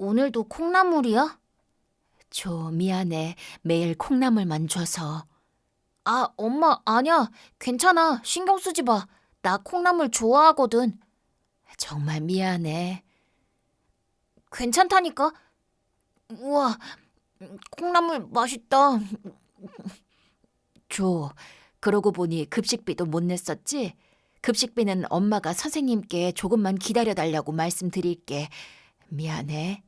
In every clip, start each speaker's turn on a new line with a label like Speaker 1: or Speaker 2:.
Speaker 1: 오늘도 콩나물이야? 조, 미안해. 매일 콩나물만 줘서. 아, 엄마, 아니야. 괜찮아. 신경 쓰지 마. 나 콩나물 좋아하거든. 정말 미안해. 괜찮다니까? 우와, 콩나물 맛있다. 조, 그러고 보니 급식비도 못 냈었지? 급식비는 엄마가 선생님께 조금만 기다려달라고 말씀드릴게. 미안해.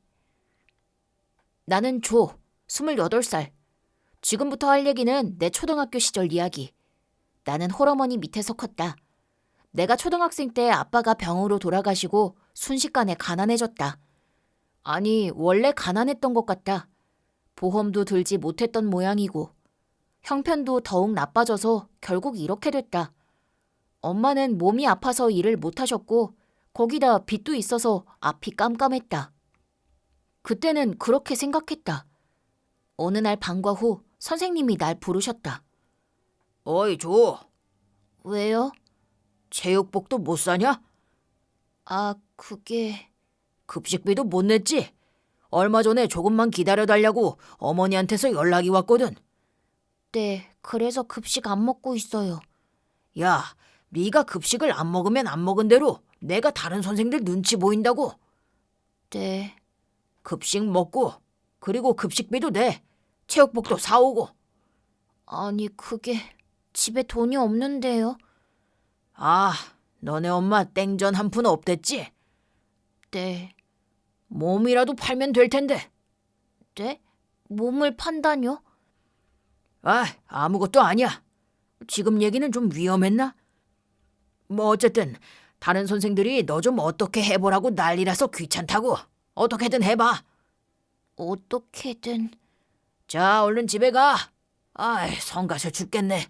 Speaker 1: 나는 조, 28살. 지금부터 할 얘기는 내 초등학교 시절 이야기. 나는 홀어머니 밑에서 컸다. 내가 초등학생 때 아빠가 병으로 돌아가시고 순식간에 가난해졌다. 아니, 원래 가난했던 것 같다. 보험도 들지 못했던 모양이고 형편도 더욱 나빠져서 결국 이렇게 됐다. 엄마는 몸이 아파서 일을 못하셨고 거기다 빚도 있어서 앞이 깜깜했다. 그때는 그렇게 생각했다. 어느 날 방과 후 선생님이 날 부르셨다.
Speaker 2: 어이, 조.
Speaker 1: 왜요?
Speaker 2: 체육복도 못 사냐?
Speaker 1: 아, 그게...
Speaker 2: 급식비도 못 냈지? 얼마 전에 조금만 기다려달라고 어머니한테서 연락이 왔거든.
Speaker 1: 네, 그래서 급식 안 먹고 있어요.
Speaker 2: 야, 네가 급식을 안 먹으면 안 먹은 대로 내가 다른 선생들 눈치 보인다고.
Speaker 1: 네,
Speaker 2: 급식 먹고 그리고 급식비도 내. 체육복도 사오고.
Speaker 1: 아니 그게 집에 돈이 없는데요.
Speaker 2: 아, 너네 엄마 땡전 한 푼 없댔지?
Speaker 1: 네,
Speaker 2: 몸이라도 팔면 될 텐데.
Speaker 1: 네? 몸을 판다뇨?
Speaker 2: 아, 아무것도 아니야. 지금 얘기는 좀 위험했나? 뭐 어쨌든 다른 선생들이 너 좀 어떻게 해보라고 난리라서 귀찮다고. 어떻게든 해봐.
Speaker 1: 어떻게든...
Speaker 2: 자, 얼른 집에 가. 아이, 성가셔 죽겠네.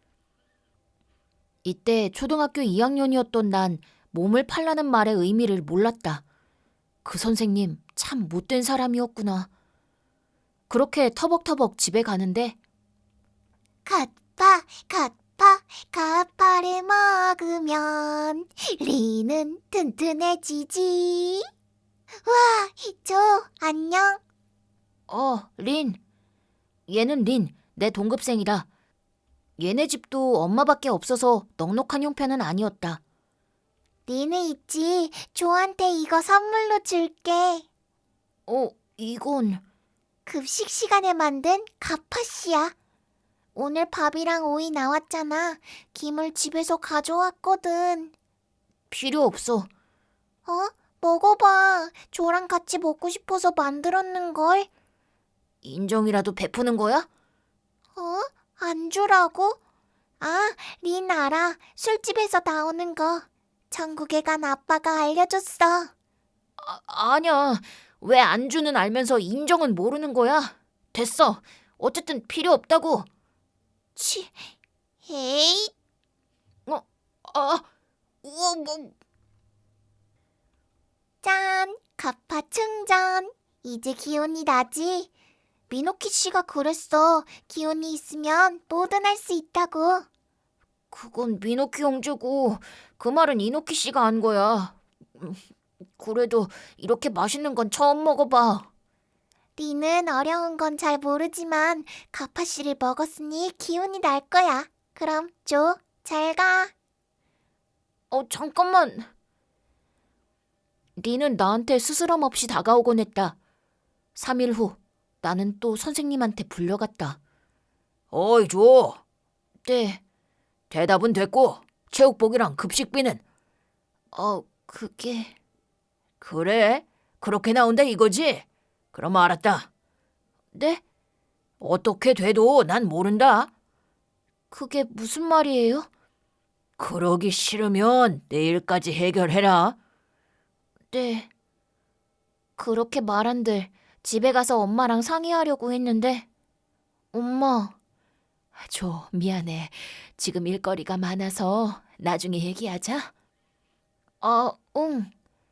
Speaker 1: 이때 초등학교 2학년이었던 난 몸을 팔라는 말의 의미를 몰랐다. 그 선생님 참 못된 사람이었구나. 그렇게 터벅터벅 집에 가는데 갓파를 먹으면 리는 튼튼해지지. 와, 조, 안녕. 린. 얘는 린, 내 동급생이다. 얘네 집도 엄마밖에 없어서 넉넉한 형편은 아니었다. 니네 있지. 조한테 이거 선물로 줄게. 이건... 급식 시간에 만든 갓팥이야. 오늘 밥이랑 오이 나왔잖아. 김을 집에서 가져왔거든. 필요 없어. 먹어봐. 조랑 같이 먹고 싶어서 만들었는걸. 인정이라도 베푸는 거야? 안 주라고? 아, 린 알아. 술집에서 나오는 거. 천국에 간 아빠가 알려줬어. 아니야. 왜 안주는 알면서 인정은 모르는 거야? 됐어. 어쨌든 필요 없다고. 에이. 우와, 뭐. 짠, 가파 충전. 이제 기운이 나지? 미노키 씨가 그랬어. 기운이 있으면 뭐든 할 수 있다고. 그건 미노키 형제고 그 말은 이노키 씨가 한 거야. 그래도 이렇게 맛있는 건 처음 먹어봐. 리는 어려운 건 잘 모르지만 가파 씨를 먹었으니 기운이 날 거야. 그럼 조, 잘 가. 잠깐만. 리는 나한테 스스럼 없이 다가오곤 했다. 3일 후 나는 또 선생님한테 불려갔다.
Speaker 2: 어이, 조.
Speaker 1: 네.
Speaker 2: 대답은 됐고 체육복이랑 급식비는?
Speaker 1: 그게...
Speaker 2: 그래? 그렇게 나온다 이거지? 그럼 알았다.
Speaker 1: 네?
Speaker 2: 어떻게 돼도 난 모른다.
Speaker 1: 그게 무슨 말이에요?
Speaker 2: 그러기 싫으면 내일까지 해결해라.
Speaker 1: 네. 그렇게 말한들 집에 가서 엄마랑 상의하려고 했는데 엄마... 조, 미안해. 지금 일거리가 많아서 나중에 얘기하자. 응.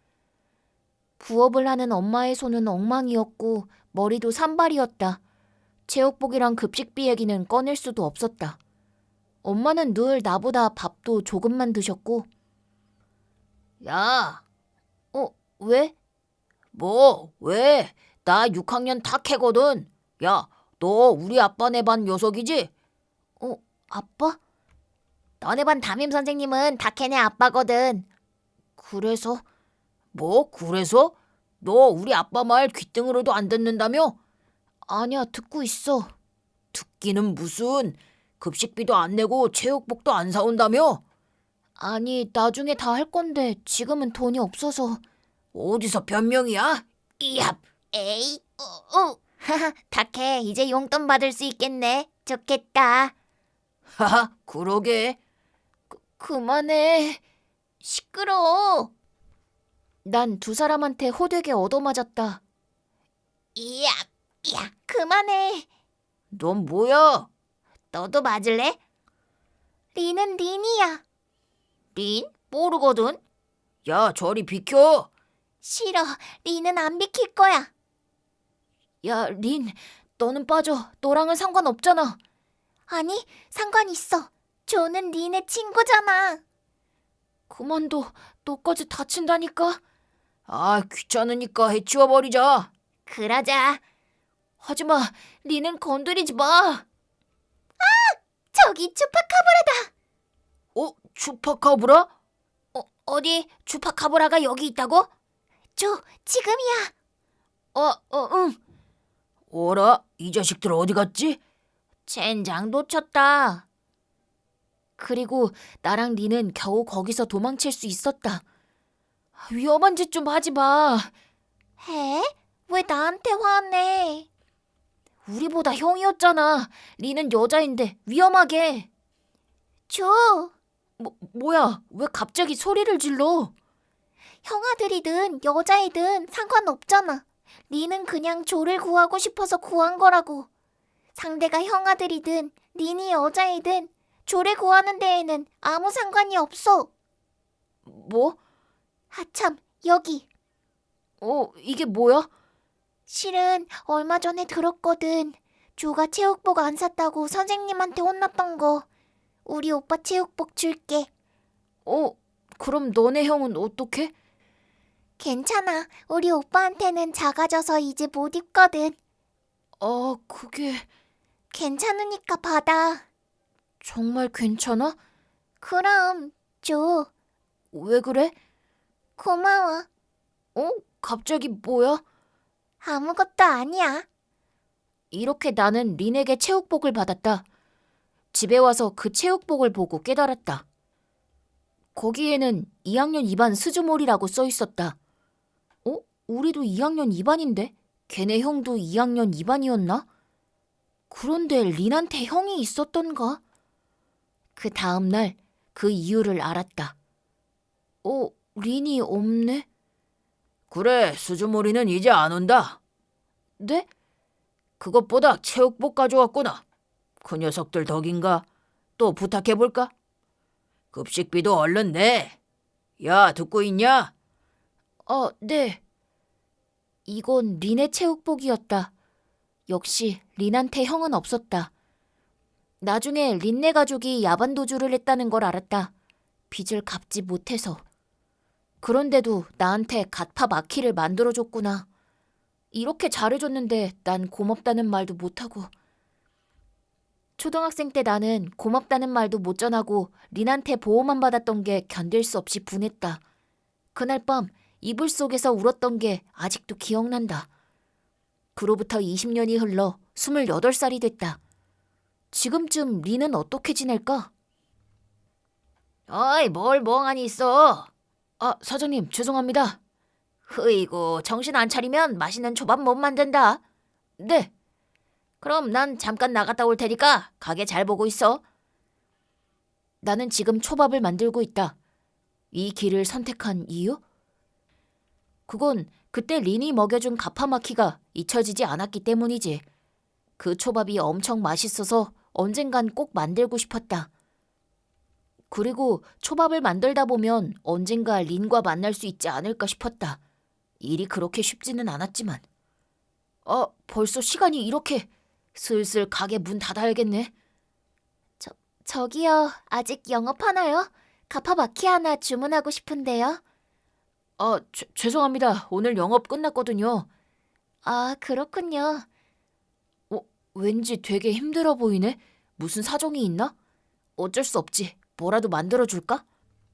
Speaker 1: 부업을 하는 엄마의 손은 엉망이었고 머리도 산발이었다. 체육복이랑 급식비 얘기는 꺼낼 수도 없었다. 엄마는 늘 나보다 밥도 조금만 드셨고.
Speaker 2: 야,
Speaker 1: 왜?
Speaker 2: 뭐, 왜? 나 6학년 탁해거든. 야, 너 우리 아빠네 반 녀석이지?
Speaker 1: 아빠? 너네 반 담임 선생님은 다케네 아빠거든. 그래서?
Speaker 2: 뭐, 그래서? 너 우리 아빠 말 귓등으로도 안 듣는다며?
Speaker 1: 아니야, 듣고 있어.
Speaker 2: 듣기는 무슨 급식비도 안 내고 체육복도 안 사온다며?
Speaker 1: 아니, 나중에 다 할 건데 지금은 돈이 없어서.
Speaker 2: 어디서 변명이야? 이압!
Speaker 1: 에이, 하하, 다케, 이제 용돈 받을 수 있겠네. 좋겠다.
Speaker 2: 하하, 그러게.
Speaker 1: 그만해. 시끄러워. 난 두 사람한테 호되게 얻어맞았다. 이야, 야, 그만해.
Speaker 2: 넌 뭐야?
Speaker 1: 너도 맞을래? 린은 린이야. 린? 모르거든.
Speaker 2: 야, 저리 비켜.
Speaker 1: 싫어. 린은 안 비킬 거야. 야, 린, 너는 빠져. 너랑은 상관없잖아. 아니, 상관 있어. 조는 린의 친구잖아. 그만둬. 너까지 다친다니까.
Speaker 2: 아, 귀찮으니까 해치워버리자.
Speaker 1: 그러자. 하지마. 린은 건드리지 마. 저기 추파카브라다.
Speaker 2: 추파카브라?
Speaker 1: 어디 추파카브라가 여기 있다고? 지금이야. 응.
Speaker 2: 어라, 이 자식들 어디 갔지?
Speaker 1: 젠장 놓쳤다. 그리고 나랑 린은 겨우 거기서 도망칠 수 있었다. 위험한 짓 좀 하지 마. 해? 왜 나한테 화내? 우리보다 형이었잖아. 린은 여자인데 위험하게. 뭐야? 왜 갑자기 소리를 질러? 형아들이든 여자이든 상관없잖아. 린은 그냥 조를 구하고 싶어서 구한 거라고. 상대가 형아들이든 린이 여자이든 조를 구하는 데에는 아무 상관이 없어. 뭐? 하참, 여기. 이게 뭐야? 실은 얼마 전에 들었거든. 조가 체육복 안 샀다고 선생님한테 혼났던 거. 우리 오빠 체육복 줄게. 그럼 너네 형은 어떡해? 괜찮아. 우리 오빠한테는 작아져서 이제 못 입거든. 그게... 괜찮으니까 받아. 정말 괜찮아? 그럼 줘. 왜 그래? 고마워. 갑자기 뭐야? 아무것도 아니야. 이렇게 나는 린에게 체육복을 받았다. 집에 와서 그 체육복을 보고 깨달았다. 거기에는 2학년 2반 스즈몰이라고 써 있었다. 우리도 2학년 2반인데? 걔네 형도 2학년 2반이었나? 그런데 린한테 형이 있었던가? 그 다음날 그 이유를 알았다. 린이 없네?
Speaker 2: 그래, 수주머리는 이제 안 온다.
Speaker 1: 네?
Speaker 2: 그것보다 체육복 가져왔구나. 그 녀석들 덕인가? 또 부탁해볼까? 급식비도 얼른 내. 야, 듣고 있냐?
Speaker 1: 네. 이건 린의 체육복이었다. 역시 린한테 형은 없었다. 나중에 린네 가족이 야반도주를 했다는 걸 알았다. 빚을 갚지 못해서. 그런데도 나한테 갓파 마키를 만들어줬구나. 이렇게 잘해줬는데 난 고맙다는 말도 못하고. 초등학생 때 나는 고맙다는 말도 못 전하고 린한테 보호만 받았던 게 견딜 수 없이 분했다. 그날 밤 이불 속에서 울었던 게 아직도 기억난다. 그로부터 20년이 흘러 28살이 됐다. 지금쯤 린은 어떻게 지낼까?
Speaker 2: 어이, 뭘 멍하니 있어?
Speaker 1: 사장님, 죄송합니다.
Speaker 2: 흐이고, 정신 안 차리면 맛있는 초밥 못 만든다.
Speaker 1: 네.
Speaker 2: 그럼 난 잠깐 나갔다 올 테니까 가게 잘 보고 있어.
Speaker 1: 나는 지금 초밥을 만들고 있다. 이 길을 선택한 이유? 그건 그때 린이 먹여준 가파마키가 잊혀지지 않았기 때문이지. 그 초밥이 엄청 맛있어서 언젠간 꼭 만들고 싶었다. 그리고 초밥을 만들다 보면 언젠가 린과 만날 수 있지 않을까 싶었다. 일이 그렇게 쉽지는 않았지만. 벌써 시간이 이렇게... 슬슬 가게 문 닫아야겠네. 저기요. 아직 영업하나요? 가파마키 하나 주문하고 싶은데요.
Speaker 2: 죄송합니다. 오늘 영업 끝났거든요.
Speaker 1: 아, 그렇군요.
Speaker 2: 왠지 되게 힘들어 보이네. 무슨 사정이 있나? 어쩔 수 없지. 뭐라도 만들어줄까?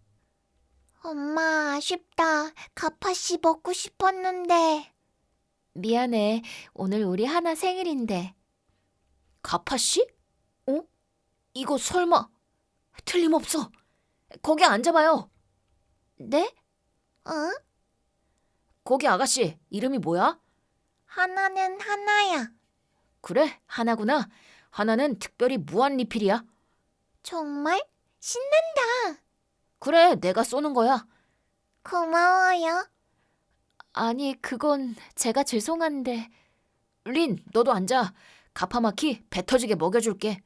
Speaker 3: 엄마, 아쉽다. 가파씨 먹고 싶었는데.
Speaker 1: 미안해. 오늘 우리 하나 생일인데.
Speaker 2: 가파씨? 이거 설마... 틀림없어. 거기 앉아봐요.
Speaker 1: 네?
Speaker 3: 응?
Speaker 2: 거기 아가씨, 이름이 뭐야?
Speaker 3: 하나는 하나야.
Speaker 2: 그래, 하나구나. 하나는 특별히 무한 리필이야.
Speaker 3: 정말? 신난다.
Speaker 2: 그래, 내가 쏘는 거야.
Speaker 3: 고마워요.
Speaker 1: 아니, 그건 제가 죄송한데.
Speaker 2: 린, 너도 앉아. 가파마키 배 터지게 먹여줄게.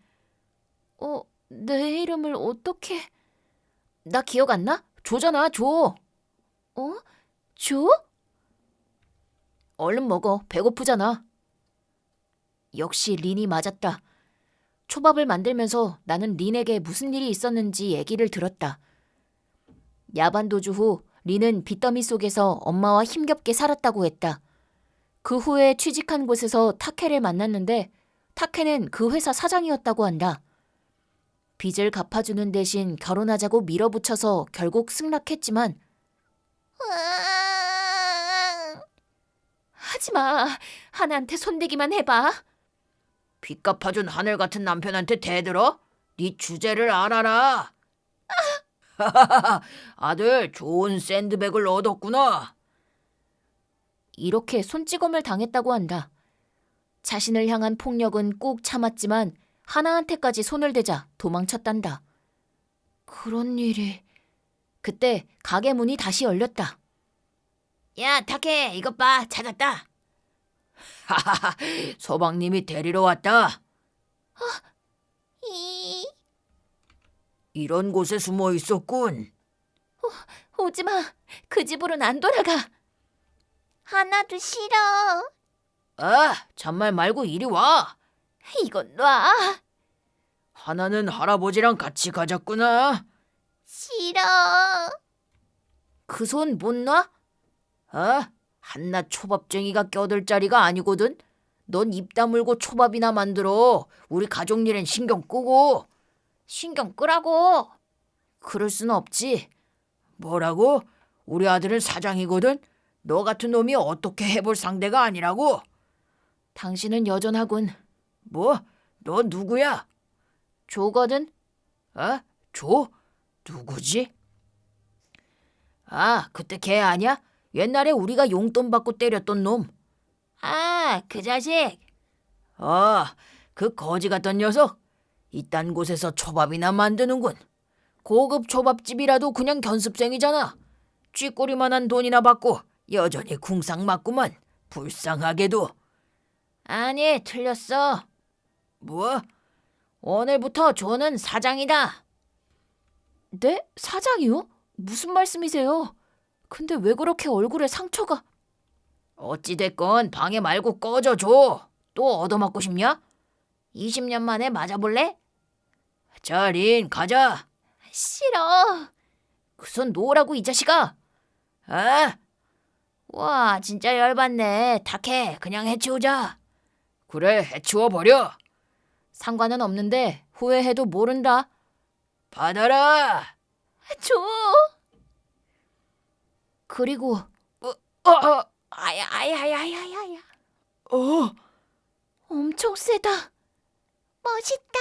Speaker 1: 내 이름을 어떻게...
Speaker 2: 나 기억 안 나? 조잖아, 조.
Speaker 1: 조?
Speaker 2: 얼른 먹어. 배고프잖아. 역시 린이 맞았다. 초밥을 만들면서 나는 린에게 무슨 일이 있었는지 얘기를 들었다. 야반 도주 후 린은 빚더미 속에서 엄마와 힘겹게 살았다고 했다. 그 후에 취직한 곳에서 타케를 만났는데 타케는 그 회사 사장이었다고 한다. 빚을 갚아주는 대신 결혼하자고 밀어붙여서 결국 승낙했지만
Speaker 3: 으앙.
Speaker 1: 하지마. 하나한테 손대기만 해봐.
Speaker 2: 빚 갚아준 하늘 같은 남편한테 대들어? 네 주제를 알아라. 아들, 좋은 샌드백을 얻었구나. 이렇게 손찌검을 당했다고 한다. 자신을 향한 폭력은 꾹 참았지만 하나한테까지 손을 대자 도망쳤단다. 그런 일이... 그때 가게 문이 다시 열렸다. 야, 타케, 이것 봐. 찾았다. 하하하, 서방님이 데리러 왔다.
Speaker 3: 이.
Speaker 2: 이런 곳에 숨어 있었군.
Speaker 1: 오지마. 그 집으로는 안 돌아가.
Speaker 3: 하나도 싫어.
Speaker 2: 잔말 말고 이리 와.
Speaker 1: 이건 놔.
Speaker 2: 하나는 할아버지랑 같이 가자꾸나.
Speaker 3: 싫어.
Speaker 2: 그 손 못 놔? 한낱 초밥쟁이가 껴들 자리가 아니거든. 넌 입 다물고 초밥이나 만들어. 우리 가족 일엔 신경 끄고. 신경 끄라고. 그럴 수는 없지. 뭐라고? 우리 아들은 사장이거든. 너 같은 놈이 어떻게 해볼 상대가 아니라고. 당신은 여전하군. 뭐? 너 누구야? 조거든. 조? 누구지? 그때 걔 아냐? 옛날에 우리가 용돈 받고 때렸던 놈. 그 자식. 그 거지 같던 녀석. 이딴 곳에서 초밥이나 만드는군. 고급 초밥집이라도 그냥 견습생이잖아. 쥐꼬리만한 돈이나 받고 여전히 궁상 맞구만. 불쌍하게도. 아니, 틀렸어. 뭐? 오늘부터 조는 사장이다.
Speaker 1: 네? 사장이요? 무슨 말씀이세요? 근데 왜 그렇게 얼굴에 상처가...
Speaker 2: 어찌됐건 방해 말고 꺼져줘. 또 얻어맞고 싶냐? 20년 만에 맞아볼래? 자, 린, 가자.
Speaker 1: 싫어.
Speaker 2: 그 손 놓으라고, 이 자식아. 와, 진짜 열받네. 타케, 그냥 해치우자. 그래, 해치워버려. 상관은 없는데 후회해도 모른다. 받아라.
Speaker 1: 줘.
Speaker 2: 그리고
Speaker 3: 아야야야야야야.
Speaker 1: 엄청 세다.
Speaker 3: 멋있다.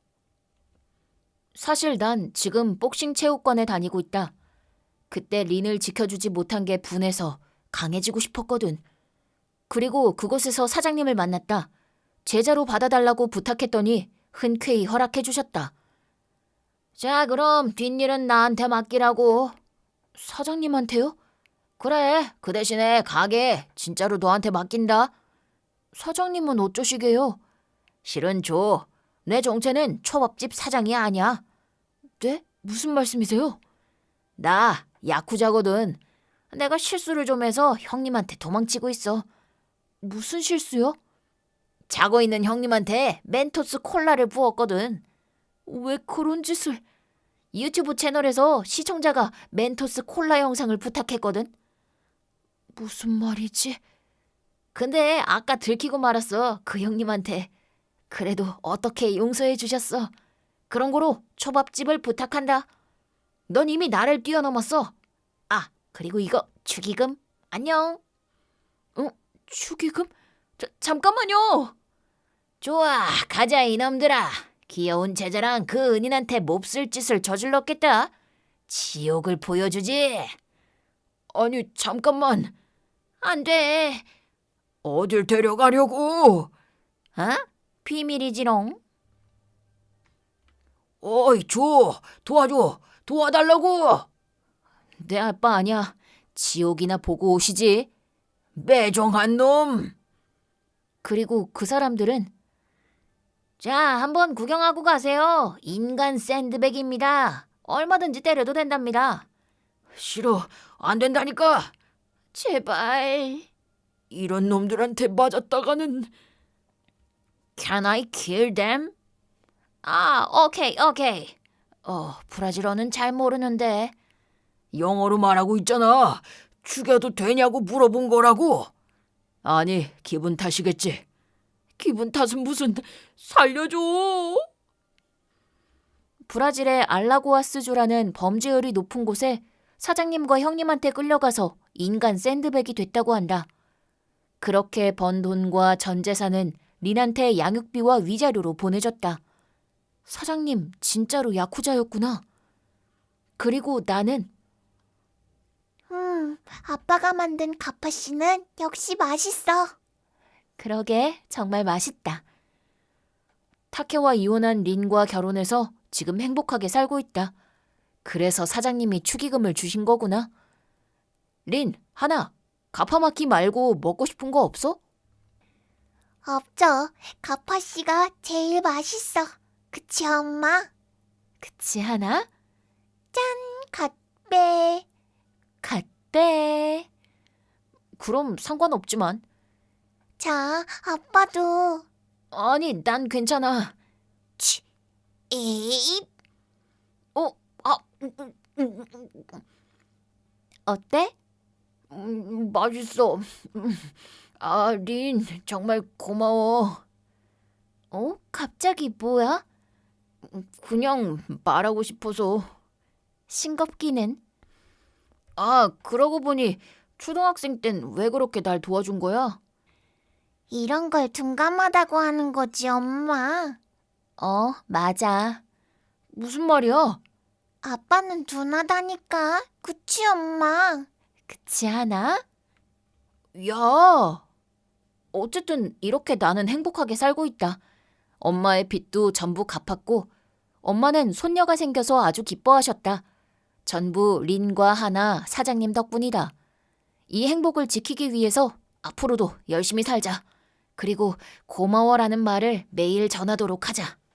Speaker 2: 사실 난 지금 복싱 체육관에 다니고 있다. 그때 린을 지켜주지 못한 게 분해서 강해지고 싶었거든. 그리고 그곳에서 사장님을 만났다. 제자로 받아달라고 부탁했더니 흔쾌히 허락해 주셨다. 자, 그럼 뒷일은 나한테 맡기라고. 사장님한테요? 그래, 그 대신에 가게 진짜로 너한테 맡긴다. 사장님은 어쩌시게요? 실은 줘. 내 정체는 초밥집 사장이 아니야. 네? 무슨 말씀이세요? 나 야쿠자거든. 내가 실수를 좀 해서 형님한테 도망치고 있어. 무슨 실수요? 자고 있는 형님한테 멘토스 콜라를 부었거든. 왜 그런 짓을... 유튜브 채널에서 시청자가 멘토스 콜라 영상을 부탁했거든.
Speaker 1: 무슨 말이지? 근데 아까 들키고 말았어. 그 형님한테. 그래도 어떻게 용서해 주셨어. 그런 거로 초밥집을 부탁한다. 넌 이미 나를 뛰어넘었어. 아, 그리고 이거 축의금. 안녕. 축의금? 잠깐만요. 좋아, 가자 이놈들아. 귀여운 제자랑 그 은인한테 몹쓸 짓을 저질렀겠다. 지옥을 보여주지.
Speaker 2: 아니, 잠깐만.
Speaker 1: 안 돼.
Speaker 2: 어딜 데려가려고?
Speaker 1: 비밀이지롱.
Speaker 2: 어이, 도와줘. 도와달라고.
Speaker 1: 내 아빠 아니야. 지옥이나 보고 오시지.
Speaker 2: 매정한 놈.
Speaker 1: 그리고 그 사람들은 자, 한번 구경하고 가세요. 인간 샌드백입니다. 얼마든지 때려도 된답니다.
Speaker 2: 싫어. 안 된다니까.
Speaker 1: 제발.
Speaker 2: 이런 놈들한테 맞았다가는.
Speaker 1: Can I kill them? 아, 오케이. 브라질어는 잘 모르는데.
Speaker 2: 영어로 말하고 있잖아. 죽여도 되냐고 물어본 거라고. 아니, 기분 탓이겠지. 기분 탓은 무슨. 살려줘.
Speaker 1: 브라질의 알라고아스주라는 범죄율이 높은 곳에 사장님과 형님한테 끌려가서 인간 샌드백이 됐다고 한다. 그렇게 번 돈과 전 재산은 린한테 양육비와 위자료로 보내줬다. 사장님 진짜로 야쿠자였구나. 그리고 나는
Speaker 3: 아빠가 만든 가파씨는 역시 맛있어.
Speaker 1: 그러게 정말 맛있다. 타케와 이혼한 린과 결혼해서 지금 행복하게 살고 있다. 그래서 사장님이 축의금을 주신 거구나. 린, 하나, 가파마키 말고 먹고 싶은 거 없어?
Speaker 3: 없죠. 가파씨가 제일 맛있어. 그치, 엄마?
Speaker 1: 그치, 하나?
Speaker 3: 갓배.
Speaker 1: 갓대. 그럼 상관없지만.
Speaker 3: 자, 아빠도.
Speaker 1: 아니, 난 괜찮아.
Speaker 3: 에잇.
Speaker 1: 어때?
Speaker 2: 맛있어. 아, 린, 정말 고마워.
Speaker 1: 갑자기 뭐야?
Speaker 2: 그냥 말하고 싶어서.
Speaker 1: 싱겁기는.
Speaker 2: 아, 그러고 보니 초등학생 땐 왜 그렇게 날 도와준 거야?
Speaker 3: 이런 걸 둔감하다고 하는 거지, 엄마.
Speaker 1: 맞아.
Speaker 2: 무슨 말이야?
Speaker 3: 아빠는 둔하다니까. 그치, 엄마?
Speaker 1: 그치, 하나?
Speaker 2: 야,
Speaker 1: 어쨌든 이렇게 나는 행복하게 살고 있다. 엄마의 빚도 전부 갚았고 엄마는 손녀가 생겨서 아주 기뻐하셨다. 전부 린과 하나 사장님 덕분이다. 이 행복을 지키기 위해서 앞으로도 열심히 살자. 그리고 고마워라는 말을 매일 전하도록 하자.